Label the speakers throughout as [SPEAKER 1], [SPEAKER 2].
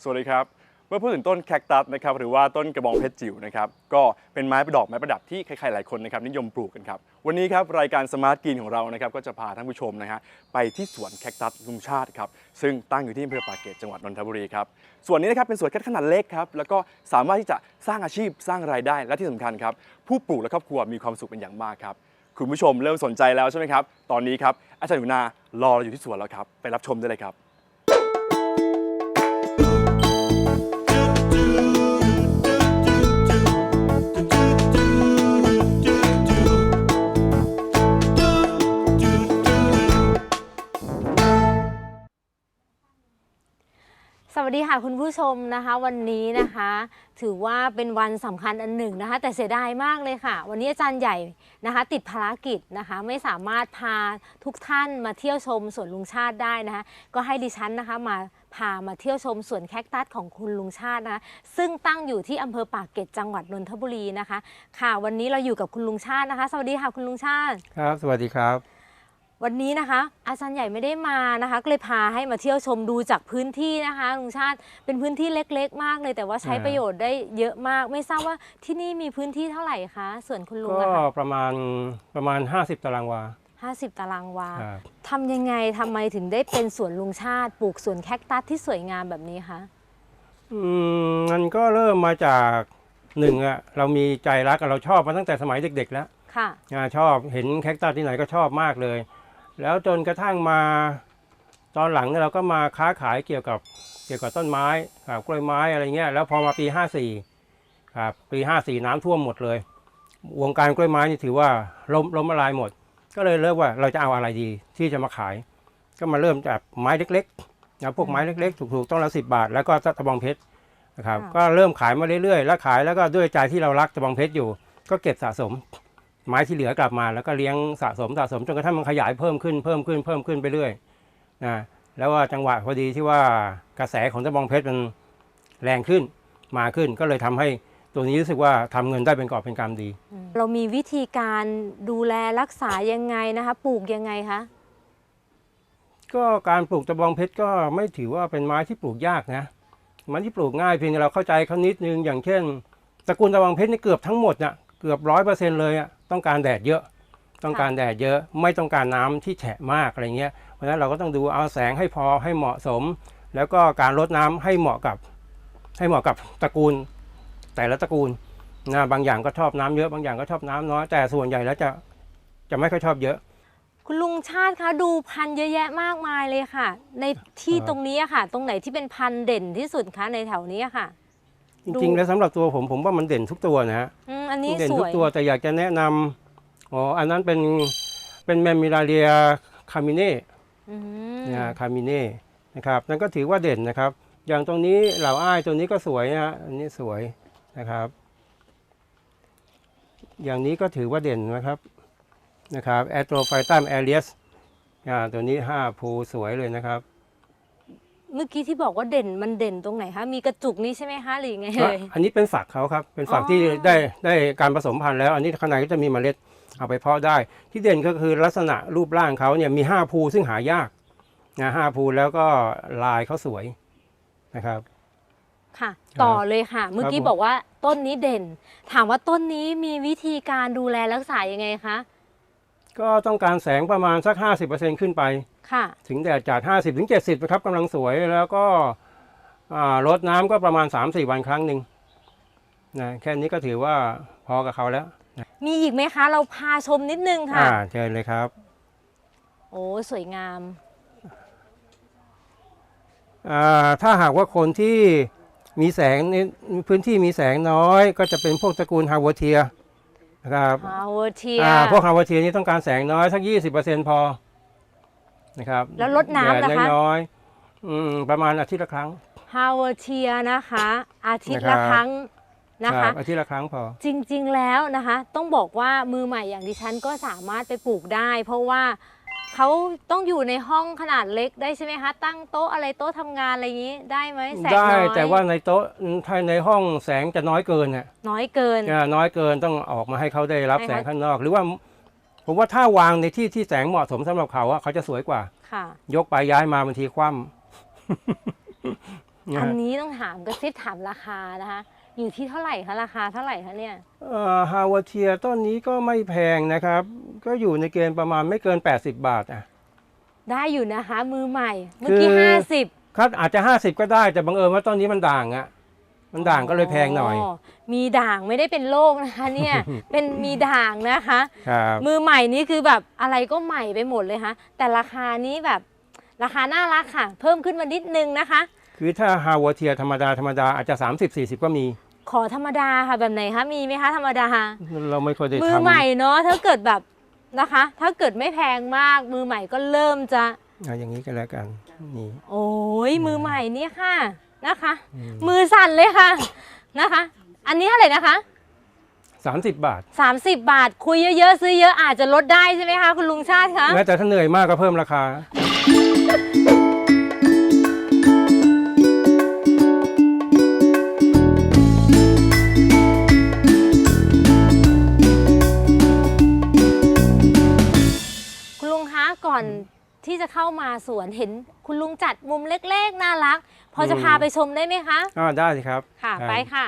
[SPEAKER 1] สวัสดีครับเมื่อพูดถึงต้นแคคตัสนะครับหรือว่าต้นกระบองเพชรจิ๋วนะครับก็เป็นไม้ประดับที่ใครๆหลายคนนะครับนิยมปลูกกันครับวันนี้ครับรายการสมาร์ทกรีนของเรานะครับก็จะพาท่านผู้ชมนะฮะไปที่สวนแคคตัสลุงชาติครับซึ่งตั้งอยู่ที่อำเภอปากเกร็ดจังหวัดนนทบุรีครับส่วนนี้นะครับเป็นสวนแคคตัสขนาดเล็กครับแล้วก็สามารถที่จะสร้างอาชีพสร้างรายได้และที่สำคัญครับผู้ปลูกและครอบครัวมีความสุขเป็นอย่างมากครับคุณผู้ชมเริ่มสนใจแล้วใช่ไหมครับตอนนี้ครับอาจารย์หนูนารอเราอยู่ที่สวนแล้วครับไปรับชมได้เลยครับ
[SPEAKER 2] สวัสดีค่ะคุณผู้ชมนะคะวันนี้นะคะถือว่าเป็นวันสำคัญอันหนึ่งนะคะแต่เสียดายมากเลยค่ะวันนี้อาจารย์ใหญ่นะคะติดภารกิจนะคะไม่สามารถพาทุกท่านมาเที่ยวชมสวนลุงชาติได้นะคะก็ให้ดิฉันนะคะพามาเที่ยวชมสวนแคคตัสของคุณลุงชาตินะคะซึ่งตั้งอยู่ที่อำเภอปากเกร็ดจังหวัดนนทบุรีนะคะค่ะวันนี้เราอยู่กับคุณลุงชาตินะคะสวัสดีค่ะคุณลุงชาติ
[SPEAKER 3] ครับสวัสดีครับ
[SPEAKER 2] วันนี้นะคะอาจารย์ใหญ่ไม่ได้มานะคะก็เลยพาให้มาเที่ยวชมดูจากพื้นที่นะคะลุงชาติเป็นพื้นที่เล็กๆมากเลยแต่ว่าใช้ประโยชน์ได้เยอะมากไม่ทราบว่าที่นี่มีพื้นที่เท่าไหร่คะส่วนคุณลุง
[SPEAKER 3] ก็
[SPEAKER 2] นะคะ
[SPEAKER 3] ประมาณ50ตารางวา
[SPEAKER 2] 50 ตารางวาทำยังไงทำไมถึงได้เป็นสวนลุงชาติปลูกสวนแคคตัสที่สวยงามแบบนี้คะ
[SPEAKER 3] มันก็เริ่มมาจากหนึ่งอะเรามีใจรักเราชอบมาตั้งแต่สมัยเด็กๆแล้ว
[SPEAKER 2] ค่ะ
[SPEAKER 3] ชอบเห็นแคคตัสที่ไหนก็ชอบมากเลยแล้วจนกระทั่งมาตอนหลังเนี่ยเราก็มาค้าขายเกี่ยวกับต้นไม้ครับกล้วยไม้อะไรเงี้ยแล้วพอมาปี54ครับปี54น้ำท่วมหมดเลยวงการกล้วยไม้นี่ถือว่าล้มละลายหมดก็เลยเลือกว่าเราจะเอาอะไรดีที่จะมาขายก็มาเริ่มจากไม้เล็กๆนะพวกไม้เล็กๆถูกๆต้นละ10 บาทแล้วก็ตะบองเพชรนะครับก็เริ่มขายมาเรื่อยๆแล้วขายแล้วก็ด้วยใจที่เรารักตะบองเพชรอยู่ก็เก็บสะสมไม้ที่เหลือกลับมาแล้วก็เลี้ยงสะสมจนกระทั่งมันขยายเพิ่มขึ้นไปเรื่อยนะแล้วว่าจังหวะพอดีที่ว่ากระแสของตะบองเพชรมันแรงขึ้นมาขึ้นก็เลยทำให้ตัวนี้รู้สึกว่าทำเงินได้เป็นกอบเป็นกำดี
[SPEAKER 2] เรามีวิธีการดูแลรักษายังไงนะคะปลูกยังไงคะ
[SPEAKER 3] ก็การปลูกตะบองเพชรก็ไม่ถือว่าเป็นไม้ที่ปลูกยากนะไม้ที่ปลูกง่ายเพียงแต่เราเข้าใจเขานิดนึงอย่างเช่นตระกูลตะบองเพชรนี่เกือบทั้งหมดน่ะเกือบ100%เลยอ่ะต้องการแดดเยอะไม่ต้องการน้ำที่แฉะมากอะไรเงี้ยเพราะฉะนั้นเราก็ต้องดูเอาแสงให้พอให้เหมาะสมแล้วก็การรดน้ำให้เหมาะกับตระกูลแต่ละตระกูลนะบางอย่างก็ชอบน้ำเยอะบางอย่างก็ชอบน้ำน้อยแต่ส่วนใหญ่แล้วจะไม่ค่อยชอบเยอะ
[SPEAKER 2] คุณลุงชาติคะดูพันธุ์เยอะแยะมากมายเลยค่ะในที่ตรงนี้ค่ะตรงไหนที่เป็นพันธุ์เด่นที่สุดคะในแถวนี้ค่ะ
[SPEAKER 3] จริงๆแล้วสำหรับตัวผมว่ามันเด่นทุกตัวนะฮะ
[SPEAKER 2] อันนี้
[SPEAKER 3] เด่น
[SPEAKER 2] ทุก
[SPEAKER 3] ตัวแต่อยากจะแนะนำอันนั้นเป็นแมมมิลาเรียคามิเน่นะคามิเน่นะครับนั่นก็ถือว่าเด่นนะครับอย่างตรงนี้เหล่าอ้ายตัวนี้ก็สวยนะฮะอันนี้สวยนะครับอย่างนี้ก็ถือว่าเด่นนะครับแอโตรไฟตัมแอเรียสตัวนี้5ภูสวยเลยนะครับ
[SPEAKER 2] เมื่อกี้ที่บอกว่าเด่นมันเด่นตรงไหนคะมีกระจุกนี้ใช่ไหมคะหรือไงเลย
[SPEAKER 3] อันนี้เป็นฝักเขาครับเป็นฝักที่ได้การผสมพันธุ์แล้วอันนี้ข้างในก็จะมีเมล็ดเอาไปเพาะได้ที่เด่นก็คือลักษณะรูปร่างเขาเนี่ยมี5ภูซึ่งหายากนะ5ภูแล้วก็ลายเขาสวยนะครับ
[SPEAKER 2] ค่ะต่อเลยค่ะเมื่อกี้บอกว่าต้นนี้เด่นถามว่าต้นนี้มีวิธีการดูแลรักษายังไงคะ
[SPEAKER 3] ก็ต้องการแสงประมาณสัก 50% ขึ้นไป
[SPEAKER 2] ค่ะถึ
[SPEAKER 3] งแดดจัด 50-70 นะครับกำลังสวยแล้วก็รดน้ำก็ประมาณ 3-4 วันครั้งหนึ่งนะแค่นี้ก็ถือว่าพอกับเขาแล้ว
[SPEAKER 2] มีอีกไหมคะเราพาชมนิดนึงค่ะ
[SPEAKER 3] เชิญเลยครับ
[SPEAKER 2] โอ้สวยงาม
[SPEAKER 3] ถ้าหากว่าคนที่มีแสงในพื้นที่มีแสงน้อยก็จะเป็นพวกตระกูลฮาวเทียนะครับ
[SPEAKER 2] ฮาวเทีย
[SPEAKER 3] พวกฮาวเทียนี่ต้องการแสงน้อยสัก 20% พอนะครับ
[SPEAKER 2] แล้วลดน้ำนะคะ
[SPEAKER 3] น้อยประมาณอาทิตย์ละครั้ง
[SPEAKER 2] ฮาวเทียนะคะอาทิตย์ละครั้งนะคะ
[SPEAKER 3] อาทิตย์ละครั้งพอ
[SPEAKER 2] จริงๆแล้วนะคะต้องบอกว่ามือใหม่อย่างดิฉันก็สามารถไปปลูกได้เพราะว่าเขาต้องอยู่ในห้องขนาดเล็กได้ใช่ไหมคะตั้งโต๊ะอะไรโต๊ะทำงานอะไรอย่างนี้ได้ไหมแสงน้อย
[SPEAKER 3] ได้แต่ว่าในโต๊ะในห้องแสงจะน้อยเกิน
[SPEAKER 2] น้อยเกิน
[SPEAKER 3] ต้องออกมาให้เขาได้รับแสงข้างนอกหรือว่าผมว่าถ้าวางในที่แสงเหมาะสมสำหรับเขาเขาจะสวยกว่า
[SPEAKER 2] ค่ะ
[SPEAKER 3] ยกไปย้ายมาบางทีคว่ำนะ
[SPEAKER 2] อัน
[SPEAKER 3] ฮะ
[SPEAKER 2] นี้ต้องถามกระซิบถามราคานะคะ อยู่ที่เท่าไหร่คะราคาเท่าไหร่คะเนี่ย
[SPEAKER 3] ฮาวาเทียต้นนี้ก็ไม่แพงนะครับ ก็อยู่ในเกณฑ์ประมาณไม่เกิน 80 บาทอ่ะ
[SPEAKER 2] ได้อยู่นะคะมือใหม่ เมื่อ
[SPEAKER 3] คือ
[SPEAKER 2] กี้50
[SPEAKER 3] ครับอาจจะ 50 ก็ได้แต่บังเอิญว่าต้นนี้มันด่างอ่ะมันด่างก็เลยแพงหน่อย
[SPEAKER 2] มีด่างไม่ได้เป็นโรคนะคะเนี่ย เป็นมีด่างนะคะ
[SPEAKER 3] ครับ
[SPEAKER 2] มือใหม่นี่คือแบบอะไรก็ใหม่ไปหมดเลยค่ะแต่ราคานี้แบบราคาน่ารักค่ะ เพิ่มขึ้นมานิดนึงนะคะ
[SPEAKER 3] คือถ้าฮาวาเทียธรรมดาอาจจะ 30-40 ก็มี
[SPEAKER 2] ขอธรรมดาค่ะแบบไหนคะมีไหมคะธรรมดา
[SPEAKER 3] เราไม่ค่อยได้
[SPEAKER 2] มือ
[SPEAKER 3] ทำ
[SPEAKER 2] ใหม่เนาะถ้าเกิดแบบนะคะ ถ้าเกิดไม่แพงมากมือใหม่ก็เริ่มจะ
[SPEAKER 3] อย่างนี้ก็แล้วกันนี่
[SPEAKER 2] โอ้ยมือใหม่นี่ค่ะนะคะ มือสั่นเลยค่ะนะคะ อันนี้เท่าไหร่นะคะ
[SPEAKER 3] 30 บาท
[SPEAKER 2] 30 บาทคุยเยอะๆซื้อเยอะอาจจะลดได้ใช่ไหมคะคุณลุงชาติคะ
[SPEAKER 3] แม้แต่ถ้าเหนื่อยมากก็เพิ่มราคา
[SPEAKER 2] คุณลุงคะก่อนที่จะเข้ามาสวนเห็นคุณลุงจัดมุมเล็กๆน่ารัก พอจะพาไปชมได้ไหมคะ
[SPEAKER 3] ได้สิครับ
[SPEAKER 2] ค่ะ
[SPEAKER 3] ได้
[SPEAKER 2] ไปค่ะ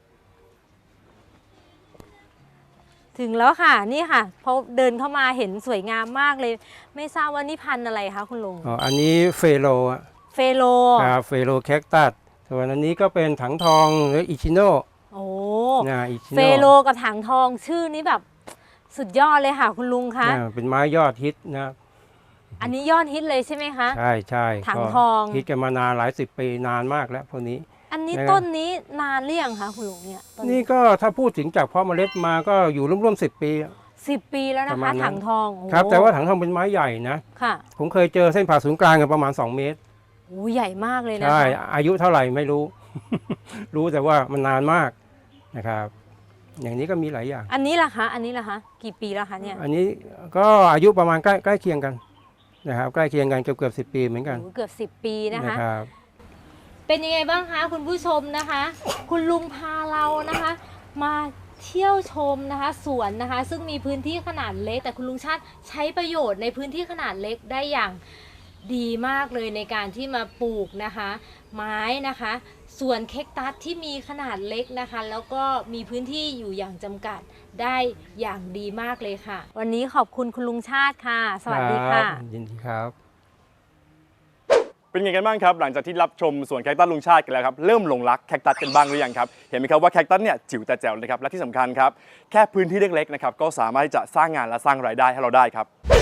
[SPEAKER 2] ถึงแล้วค่ะนี่ค่ะพอเดินเข้ามาเห็นสวยงามมากเลย ไม่ทราบว่านี่พันธุ์อะไรคะคุณลุง
[SPEAKER 3] อันนี้เฟโลอะ
[SPEAKER 2] เฟโล
[SPEAKER 3] ครับเฟโลแคคตัสส่วนอันนี้ก็เป็นถังทองหรืออิชิโน่
[SPEAKER 2] โอ้
[SPEAKER 3] อิชิ
[SPEAKER 2] เฟ
[SPEAKER 3] โน่
[SPEAKER 2] โลกับถังทองชื่อนี้แบบสุดยอดเลยค่ะ คุณลุงคะ
[SPEAKER 3] เป็นไม้ยอดฮิตนะ
[SPEAKER 2] อันนี้ยอดฮิตเลยใช่ไหมคะ
[SPEAKER 3] ใช่ใช่
[SPEAKER 2] ถัง
[SPEAKER 3] ก็
[SPEAKER 2] ทอง
[SPEAKER 3] ฮิตกันมานานหลายสิบปีนานมากแล้วพวกนี้
[SPEAKER 2] อันนี้
[SPEAKER 3] นะครับ
[SPEAKER 2] ต้นนี้นานหรือยังคะคุณลุงเนี่ยต้
[SPEAKER 3] นี่ก็ถ้าพูดถึงจากเพาะเมล็ดมาก็อยู่ร่วมๆ10 ปี
[SPEAKER 2] 10 ปีแล้ว
[SPEAKER 3] ป
[SPEAKER 2] นะ
[SPEAKER 3] ระมา
[SPEAKER 2] คะ
[SPEAKER 3] ณนั้น
[SPEAKER 2] ถังทองโอ้
[SPEAKER 3] ครับแต่ว่าถังทองเป็นไม้ใหญ่นะ
[SPEAKER 2] ค่ะ
[SPEAKER 3] ผมเคยเจอเส้นผ่าศูนย์กลางกันประมาณ 2 เมตร
[SPEAKER 2] โอ้ใหญ่มากเลยนะ
[SPEAKER 3] ใช่
[SPEAKER 2] คะ
[SPEAKER 3] อายุเท่าไหร่ไม่รู้ รู้แต่ว่ามันนานมากนะครับ อย่างนี้ก็มีหลายอย่าง
[SPEAKER 2] อันนี้ล่ะคะอันนี้ล่ะคะกี่ปีแล้วคะเนี่ย
[SPEAKER 3] อันนี้ก็อายุประมาณใกล้เคียงกันนะครับใกล้เคียงกันเกือบ10 ปีเหมือนกัน
[SPEAKER 2] โอ้เกือบ10 ปีนะคะ
[SPEAKER 3] นะครับ
[SPEAKER 2] เป็นยังไงบ้างคะคุณผู้ชมนะคะ คุณลุงพาเรานะคะ มาเที่ยวชมนะคะสวนนะคะ ซึ่งมีพื้นที่ขนาดเล็ก แต่คุณลุงชาติใช้ประโยชน์ในพื้นที่ขนาดเล็กได้อย่างดีมากเลยในการที่มาปลูกนะคะ ไม้นะคะสวนเค้กตัสที่มีขนาดเล็กนะคะ แล้วก็มีพื้นที่อยู่อย่างจำกัดได้อย่างดีมากเลยค่ะ วันนี้ขอบคุณคุณลุงชาติค่ะ สวัสดีค่ะ
[SPEAKER 3] รับยินดีครับ
[SPEAKER 1] เป็นไงกันบ้างครับหลังจากที่รับชมสวนแคคตัสลุงชาติกันแล้วครับเริ่มหลงรักแคคตัสกันบ้างหรือยังครับเห็นไหมครับว่าแคคตัสเนี่ยจิ๋วแต่แจ๋วเลยครับและที่สำคัญครับแค่พื้นที่เล็กๆนะครับก็สามารถที่จะสร้างงานและสร้างรายได้ให้เราได้ครับ